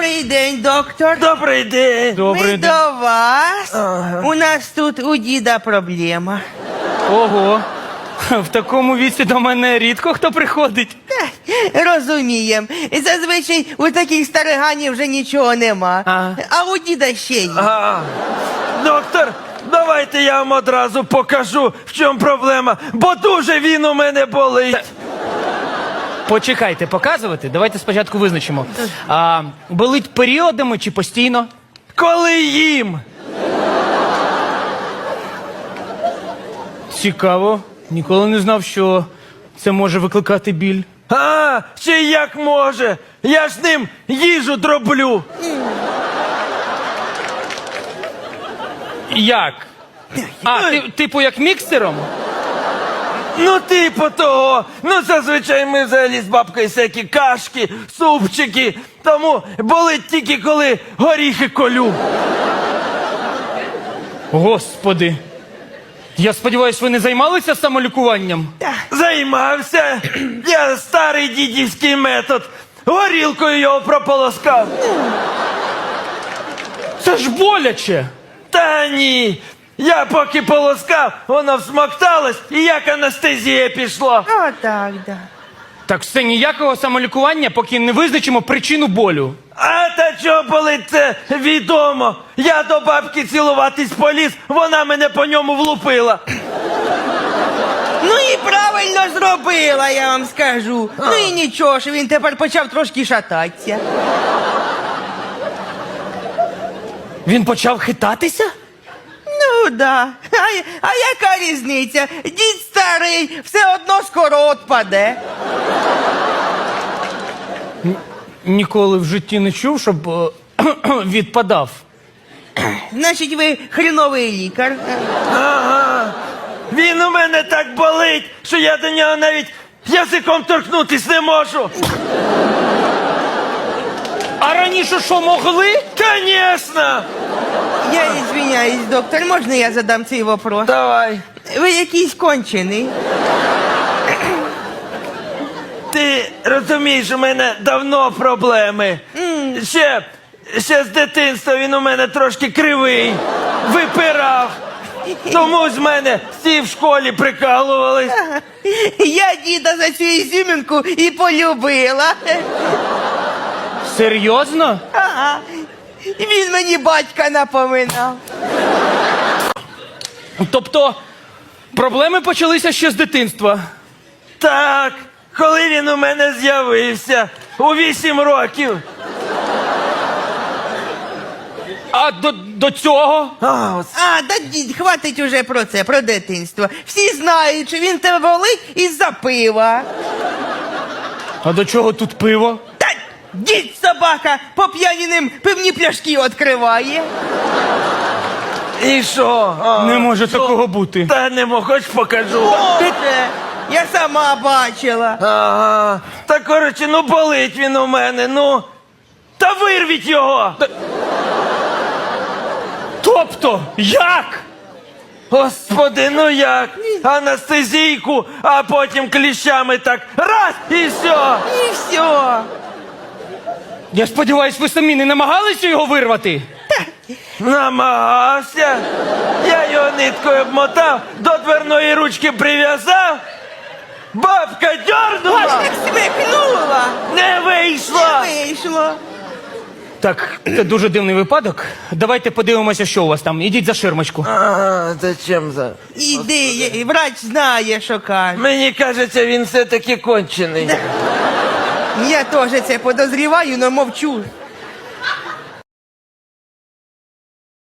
Добрий день, доктор. Добрий день. Ми до вас. У нас тут у діда проблема. Ого. В такому віці до мене рідко хто приходить. Розумієм. Зазвичай у таких стариганів вже нічого нема. А у діда ще є. Доктор, давайте я вам одразу покажу, в чому проблема, бо дуже він у мене болить. Почекайте, показувати? Давайте спочатку визначимо. Болить періодами чи постійно? Коли їм? Цікаво. Ніколи не знав, що це може викликати біль. Ще як може? Я ж ним їжу дроблю. Як? Типу як міксером? Ну, типу того. Ну, зазвичай ми взагалі з бабкою всякі кашки, супчики. Тому болить тільки, коли горіхи колю. Господи. Я сподіваюся, ви не займалися самолікуванням? Займався. Я старий дідівський метод. Горілкою його прополоскав. Це ж боляче. Та ні. Я поки полоскав, воно всмокталось, і як анестезія пішла. Отак, да. Так все ніякого самолікування, поки не визначимо причину болю. А та чого болить, це відомо. Я до бабки цілуватись поліз, вона мене по ньому влупила. Ну і правильно зробила, я вам скажу. Ну і нічого, що він тепер почав трошки шататися. Він почав хитатися? Ну, да. А яка різниця? Дід старий, все одно скоро отпаде. Ніколи в житті не чув, щоб відпадав. Значить, ви хріновий лікар. Ага. Він у мене так болить, що я до нього навіть язиком торкнутись не можу. А раніше що, могли? Конечно! Я извиняюсь, доктор, можна я задам цей вопрос? Давай. Ви якийсь кончений. Ти розумієш, у мене давно проблеми. Ще з дитинства він у мене трошки кривий, випирав. Тому з мене всі в школі прикалувались. Я діда за цю ізюмінку і полюбила. Серйозно? Ага. Він мені батька напоминав. Тобто, проблеми почалися ще з дитинства. Так, коли він у мене з'явився, у 8 років. А до цього? Да дід, хватить уже про це, про дитинство. Всі знають, що він тебе болить із-за пива. А до чого тут пиво? Та дід собака по п'яніним пивні пляшки відкриває. І що? Не може такого бути. Та не можу, хоч покажу. Боже, я сама бачила. Ага. Та коротше, ну болить він у мене, ну. Та вирвіть його! Тобто, як? Господи, ну як? Анестезійку, а потім кліщами так раз і все. І все. Я сподіваюсь, ви самі не намагалися його вирвати? Намагався. Я його ниткою обмотав, до дверної ручки прив'язав. Бабка дьорнула, Так смикнула. не вийшло. Вийшло. Так, це дуже дивний випадок. Давайте подивимося, що у вас там. Ідіть за ширмочку. Ага, зачем за? Іди, врач знає, що каже. Мені кажеться, він все-таки кончений. Я теж це подозріваю, но мовчу.